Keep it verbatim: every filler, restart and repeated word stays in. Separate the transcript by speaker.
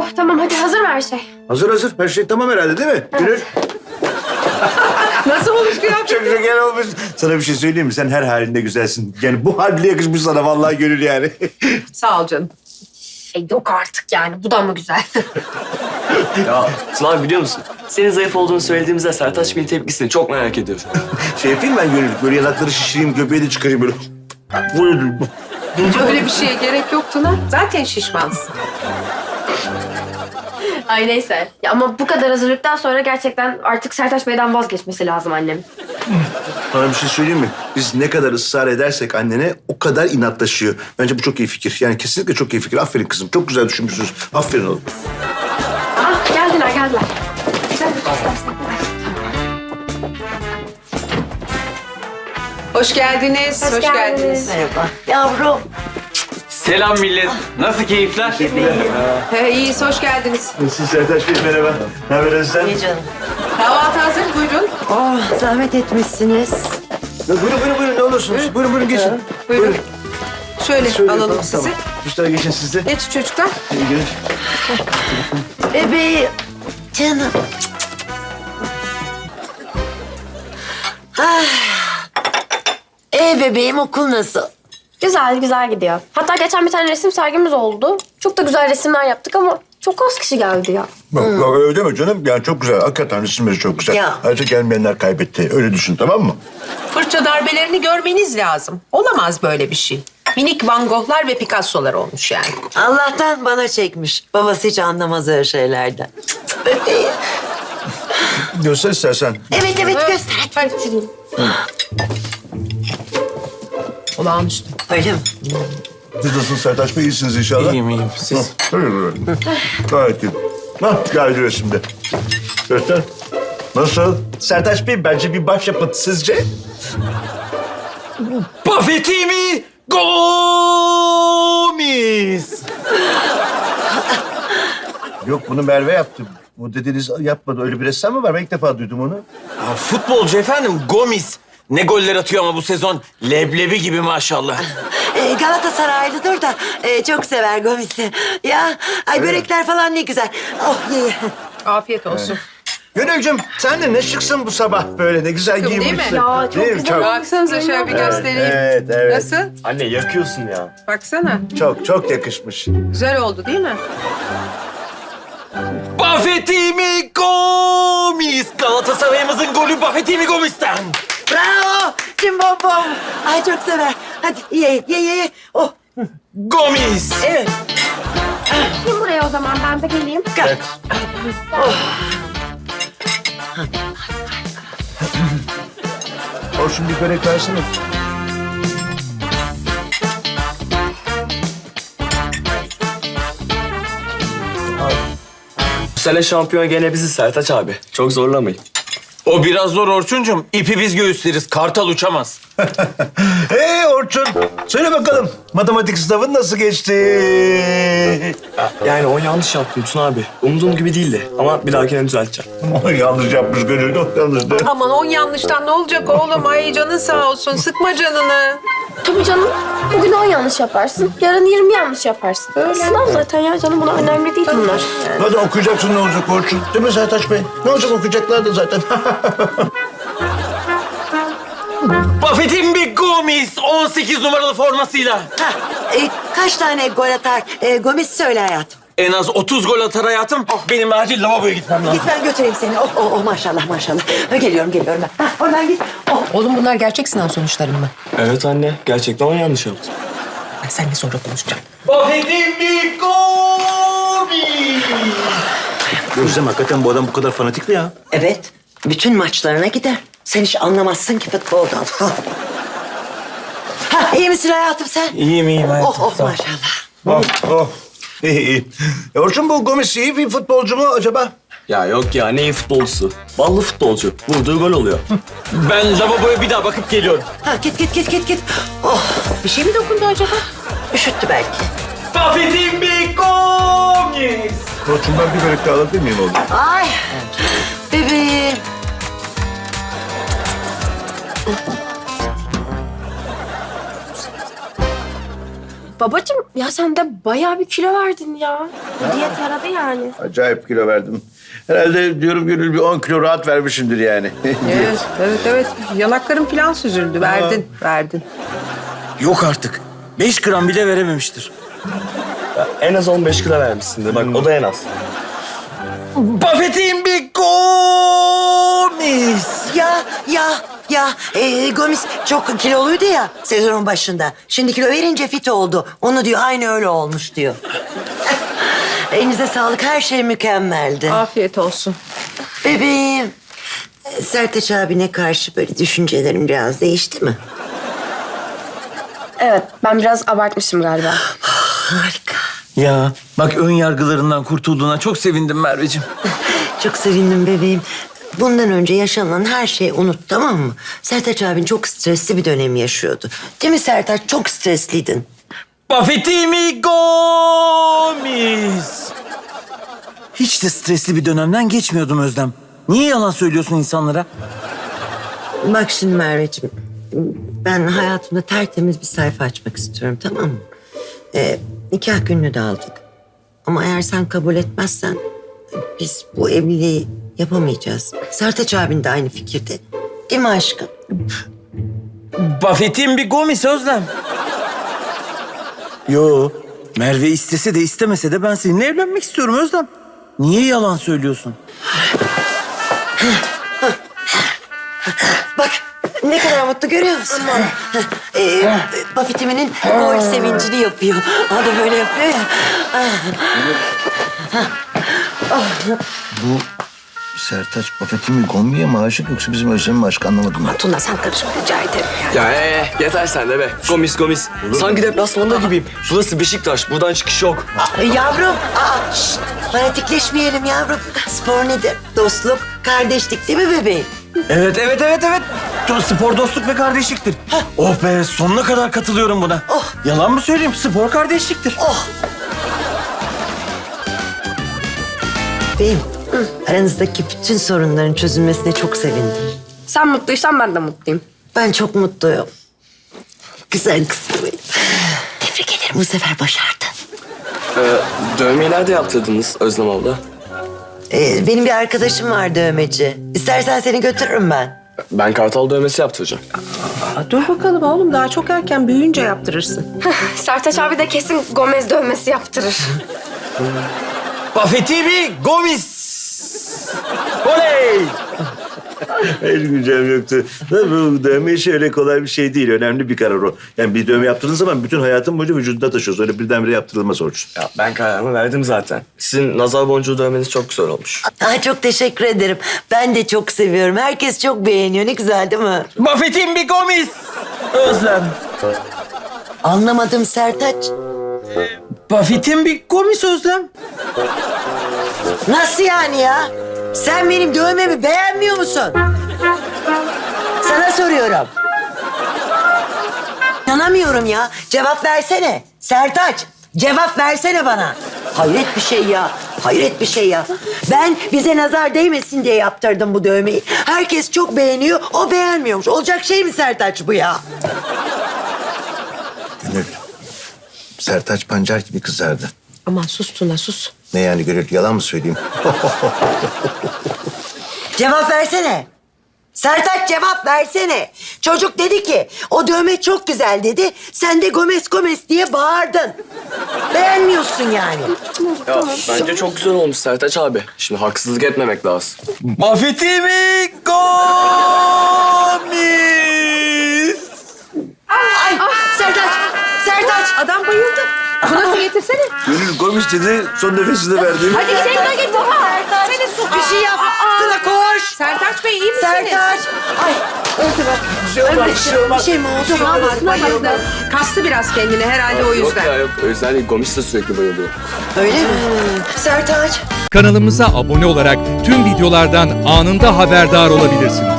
Speaker 1: Oh tamam hadi hazır mı her şey?
Speaker 2: Hazır hazır. Her şey tamam herhalde değil mi? Gönül.
Speaker 3: Nasıl olmuş kıyafet?
Speaker 2: Çok şeker olmuş. Sana bir şey söyleyeyim mi? Sen her halinde güzelsin. Yani bu hal bile yakışmış sana vallahi Gönül yani.
Speaker 3: Sağ ol canım.
Speaker 1: Şey yok artık yani bu da mı güzel?
Speaker 4: Ya Sıla biliyor musun? Senin zayıf olduğunu söylediğimizde Sertaç Bey'in tepkisini çok merak ediyorum.
Speaker 2: Şey yapayım ben Gönül. Böyle yanakları şişireyim, göbeği de çıkarayım böyle.
Speaker 3: Öyle bir şeye gerek yok Tuna. Zaten şişmansın.
Speaker 1: Ay neyse. Ya ama bu kadar hazırlıktan sonra gerçekten artık Sertaç Bey'den vazgeçmesi lazım annem.
Speaker 2: Sana bir şey söyleyeyim mi? Biz ne kadar ısrar edersek annene o kadar inatlaşıyor. Bence bu çok iyi fikir. Yani kesinlikle çok iyi fikir. Aferin kızım. Çok güzel düşünmüşsünüz. Aferin oğlum.
Speaker 1: Ah geldiler geldiler. Güzel bir
Speaker 3: Hoş geldiniz.
Speaker 1: Hoş geldiniz.
Speaker 5: Merhaba. Yavrum.
Speaker 4: Selam millet. Nasıl keyifler?
Speaker 3: He, iyiyiz, hoş geldiniz.
Speaker 2: Nasılsın Sertaç Bey? Merhaba. Ne haber Özlem?
Speaker 5: İyi canım.
Speaker 3: Kahvaltı hazır, buyurun.
Speaker 5: Oh, zahmet etmişsiniz.
Speaker 2: Ya buyurun buyurun buyurun ne olursunuz. Buyurun buyurun geçin.
Speaker 3: Buyurun. Şöyle,
Speaker 2: Şöyle
Speaker 3: alalım
Speaker 2: yapalım,
Speaker 3: sizi.
Speaker 2: Tamam. Müşteri geçin siz de.
Speaker 3: Geç çocuklar.
Speaker 2: İyi gelir.
Speaker 5: Bebeğim. Canım. Ah. Ee bebeğim, okul nasıl?
Speaker 1: Güzel güzel gidiyor. Hatta geçen bir tane resim sergimiz oldu. Çok da güzel resimler yaptık ama çok az kişi geldi ya.
Speaker 2: Bak, bak öyle deme canım. Yani çok güzel. Hakikaten resimleri çok güzel.
Speaker 5: Ya.
Speaker 2: Ayrıca gelmeyenler kaybetti. Öyle düşün tamam mı?
Speaker 3: Fırça darbelerini görmeniz lazım. Olamaz böyle bir şey. Minik Van Gogh'lar ve Picasso'lar olmuş yani.
Speaker 5: Allah'tan bana çekmiş. Babası hiç anlamaz öyle şeylerden. Bebeğim.
Speaker 2: Göster istersen.
Speaker 5: Evet evet göster.
Speaker 3: Hadi. Olağanüstü.
Speaker 5: Öyle mi?
Speaker 2: Siz nasılsınız Sertaç Bey? İyisiniz inşallah.
Speaker 4: İyiyim iyiyim. Siz?
Speaker 2: Tabii böyle. Gayet iyi. Hah geldi resimde. Göster. Nasıl? Sertaç Bey bence bir başyapıt sizce?
Speaker 4: Buffett'i Gomis.
Speaker 2: Yok bunu Merve yaptı. Bu dedeniz yapmadı. Öyle bir ressam mı var? Ben ilk defa duydum onu.
Speaker 6: Ya futbolcu efendim Gomis. Ne goller atıyor ama bu sezon. Leblebi gibi maşallah.
Speaker 5: Ee, Galatasaraylıdır da e, çok sever Gomis'i. Ya ay börekler falan ne güzel. Oh ye ye.
Speaker 3: Afiyet olsun.
Speaker 2: Gönülcüm sen de ne şıksın bu sabah böyle. Ne güzel
Speaker 3: Şıkım değil mi?
Speaker 2: giyinmişsin.
Speaker 1: Ya, çok
Speaker 2: Değil mi?
Speaker 1: güzel.
Speaker 2: Çok,
Speaker 3: Baksanıza şöyle bir göstereyim.
Speaker 2: evet, evet.
Speaker 3: Nasıl?
Speaker 4: Anne yakıyorsun ya.
Speaker 3: Baksana.
Speaker 2: çok, çok yakışmış.
Speaker 3: Güzel oldu değil mi?
Speaker 6: Buffett'i Gomis. Galatasaray'ımızın golü Buffett'i Gomis'ten.
Speaker 5: Bravo. Cimbom bom. Ay çok sever. Hadi ye ye ye ye. Oh.
Speaker 6: Gomis.
Speaker 5: Evet.
Speaker 1: Kim buraya o zaman ben de geleyim.
Speaker 5: Gel.
Speaker 2: Orçun bir börek versene.
Speaker 4: Bu sene şampiyon gene biziz Sertaç abi. Çok zorlamayın.
Speaker 6: O biraz zor Orçuncum. İpi biz göğüsleriz. Kartal uçamaz.
Speaker 2: Hey Orçun, söyle bakalım matematik sınavın nasıl geçti?
Speaker 4: Yani o yanlış yaptım Tuna abi. Umduğum gibi değildi ama bir dahakine düzelteceğim.
Speaker 2: yanlış yapmış Gönül, o yanlıştı.
Speaker 3: Aman on yanlıştan ne olacak oğlum? Ay canın sağ olsun. Sıkma canını.
Speaker 1: Tabii canım. Bugün on yanlış yaparsın. Yarın yirmi yanlış yaparsın. Sınav zaten ya canım buna önemli değil bunlar.
Speaker 2: Hadi okuyacaksın ne olacak Orçun? Değil mi Sertaç Bey? Ne olacak okuyacaklar da zaten.
Speaker 6: Buffett'i Gomis on sekiz numaralı formasıyla.
Speaker 5: Ha, e, kaç tane gol atar? E, Gomis söyle hayatım.
Speaker 6: En az otuz gol atar hayatım. Benim acil lavaboya gitmem lazım.
Speaker 5: Git ben götüreyim seni. Oh, oh, oh maşallah maşallah. Ha, geliyorum geliyorum ben. Ha, oradan git. Oh.
Speaker 3: Oğlum bunlar gerçek sınav sonuçları mı?
Speaker 4: Evet anne gerçekten on yanlış yaptım.
Speaker 3: Ben seninle sonra konuşacağım.
Speaker 6: Buffett'i Gomis.
Speaker 2: Gözlem hakikaten bu adam bu kadar fanatik mi ya?
Speaker 5: Evet. Bütün maçlarına gider. Sen hiç anlamazsın ki futboldan. Ha. Ha, iyi misin hayatım sen?
Speaker 6: İyiyim iyiyim hayatım.
Speaker 5: Oh oh maşallah.
Speaker 2: Oh, oh. İyi, iyi. E, Orçun bu Gomis iyi bir futbolcu mu acaba?
Speaker 4: Ya yok ya ne iyi futbolcusu. Ballı futbolcu. Vurduğu gol oluyor.
Speaker 6: Ben lavaboya bir daha bakıp geliyorum.
Speaker 5: Ha, git git git git git. Oh,
Speaker 3: Bir şey mi dokundu acaba?
Speaker 5: üşüttü belki.
Speaker 6: Buffett'i Gomis.
Speaker 2: Orçun ben bir börek daha alabilir miyim oğlum?
Speaker 5: Ay, bebeğim.
Speaker 1: Babacığım ya sen de bayağı bir kilo verdin ya. Bu diyet yaradı yani.
Speaker 2: Acayip kilo verdim. Herhalde diyorum Gönül bir on kilo rahat vermişimdir yani.
Speaker 3: Evet, evet, evet. Yanaklarım falan süzüldü. Verdin, verdin.
Speaker 6: Yok artık. Beş gram bile verememiştir.
Speaker 4: En az on beş kilo vermişsindir. Bak o da en az.
Speaker 6: Buffett'in bir Gomis.
Speaker 5: Ya ya ya e, Gomis çok kiloluydu ya sezonun başında. Şimdi kilo verince fit oldu. Onu diyor aynı öyle olmuş diyor. Elinize sağlık, her şey mükemmeldi.
Speaker 3: Afiyet olsun.
Speaker 5: Bebeğim, e, Sertaç abine karşı böyle düşüncelerim biraz değişti mi?
Speaker 1: Evet ben biraz abartmışım galiba.
Speaker 5: Harika.
Speaker 6: Ya bak ön yargılarından kurtulduğuna çok sevindim Merveciğim.
Speaker 5: Çok sevindim bebeğim. Bundan önce yaşanan her şeyi unut, tamam mı? Sertaç abin çok stresli bir dönem yaşıyordu. Değil mi Sertaç? Çok stresliydin.
Speaker 6: Buffett'in bir Gomis. Hiç de stresli bir dönemden geçmiyordum Özlem. Niye yalan söylüyorsun insanlara?
Speaker 5: Bak şimdi Merveciğim, ben hayatımda tertemiz bir sayfa açmak istiyorum, tamam mı? Ee, nikah gününü de aldık. Ama eğer sen kabul etmezsen biz bu evliliği yapamayacağız. Sertaç abin de aynı fikirde. Değil mi aşkım?
Speaker 6: Buffett'in bir Gomis Özlem. Yo, Merve istese de istemese de ben seninle evlenmek istiyorum Özlem. Niye yalan söylüyorsun?
Speaker 5: Bak ne kadar mutlu, görüyor musun? ee, Buffett'imin gol sevincini yapıyor. O da böyle yapıyor ya.
Speaker 2: Bu Sertaç Buffett'in bir Gombi'ye mi aşık yoksa bizim Özlem'e mi aşık anlamadım ben.
Speaker 5: Tuna sen karışma rica ederim yani.
Speaker 4: Ya ee, yeter sen de be. Gomis gomis. Sanki deplasmanda gibiyim. Burası Beşiktaş. Buradan çıkış yok.
Speaker 5: Ee, Yavrum, aa, şşt, fanatikleşmeyelim yavrum. Spor nedir? Dostluk, kardeşlik değil mi bebeğim?
Speaker 6: Evet, evet, evet, evet. Spor dostluk ve kardeşliktir. Oh be, sonuna kadar katılıyorum buna.
Speaker 5: Oh.
Speaker 6: Yalan mı söyleyeyim? Spor kardeşliktir.
Speaker 5: Oh! Beyim, aranızdaki bütün sorunların çözülmesine çok sevindim.
Speaker 1: Sen mutluysan ben de mutluyum.
Speaker 5: Ben çok mutluyum. Güzel kızım benim. Tebrik ederim, bu sefer başardın.
Speaker 4: Ee, dövmeyi nerede yaptırdınız Özlem abla?
Speaker 5: Ee, benim bir arkadaşım var dövmeci. İstersen seni götürürüm ben.
Speaker 4: Ben kartal dövmesi yaptıracağım.
Speaker 3: Aa, dur bakalım oğlum. Daha çok erken büyüyünce yaptırırsın.
Speaker 1: Sertaç abi de kesin Gomez dövmesi yaptırır.
Speaker 6: Buffett'in bir Gomis. Oley!
Speaker 2: Hiç gücüm yoktu. Bu dövme işi öyle kolay bir şey değil. Önemli bir karar o. Yani bir dövme yaptığın zaman bütün hayatın boyunca vücudunda taşıyorsun. Öyle birdenbire yaptırılmaz Orçun.
Speaker 4: Ya ben kararımı verdim zaten. Sizin nazar boncuğu dövmeniz çok güzel olmuş.
Speaker 5: Aa, çok teşekkür ederim. Ben de çok seviyorum. Herkes çok beğeniyor. Ne güzel değil mi?
Speaker 6: Buffett'in bir Gomis. Özlem.
Speaker 5: Anlamadım Sertaç.
Speaker 6: Buffett'in bir Gomis Özlem.
Speaker 5: Nasıl yani ya? Sen benim dövmemi beğenmiyor musun? Sana soruyorum. İnanamıyorum ya. Cevap versene. Sertaç, cevap versene bana. Hayret bir şey ya. Hayret bir şey ya. Ben bize nazar değmesin diye yaptırdım bu dövmeyi. Herkes çok beğeniyor, o beğenmiyormuş. Olacak şey mi Sertaç bu ya?
Speaker 2: Gönül. Sertaç pancar gibi kızardı.
Speaker 3: Aman sus Tuna, sus.
Speaker 2: Ne yani Gönül? Yalan mı söyleyeyim?
Speaker 5: Cevap versene. Sertaç cevap versene. Çocuk dedi ki o dövme çok güzel dedi. Sen de Gomez Gomez diye bağırdın. Beğenmiyorsun yani.
Speaker 4: Ya bence çok güzel olmuş Sertaç abi. Şimdi haksızlık etmemek lazım.
Speaker 6: Buffett'in bir Gomis.
Speaker 5: Ay Sertaç, Sertaç.
Speaker 3: Adam bayıldı. Tuna su getirsene.
Speaker 2: Gönül Gomis dedi, son nefesini verdi.
Speaker 3: Hadi sen de git baba.
Speaker 5: Sertaç,
Speaker 3: Seni su.
Speaker 5: bir şey yap. Tuna koş.
Speaker 3: Sertaç Bey iyi misiniz?
Speaker 5: Sertaç. Ay öldü bak.
Speaker 2: Bir şey olmaz, bir şey olmaz.
Speaker 5: Bir şey mi oldu?
Speaker 3: Tamam, bayıldı. Kastı biraz kendini herhalde o
Speaker 4: Yok
Speaker 3: yüzden.
Speaker 4: ya yok. O yüzden değil. Gomis de sürekli bayılıyor.
Speaker 5: Öyle mi? Sertaç.
Speaker 7: Kanalımıza abone olarak tüm videolardan anında haberdar olabilirsiniz.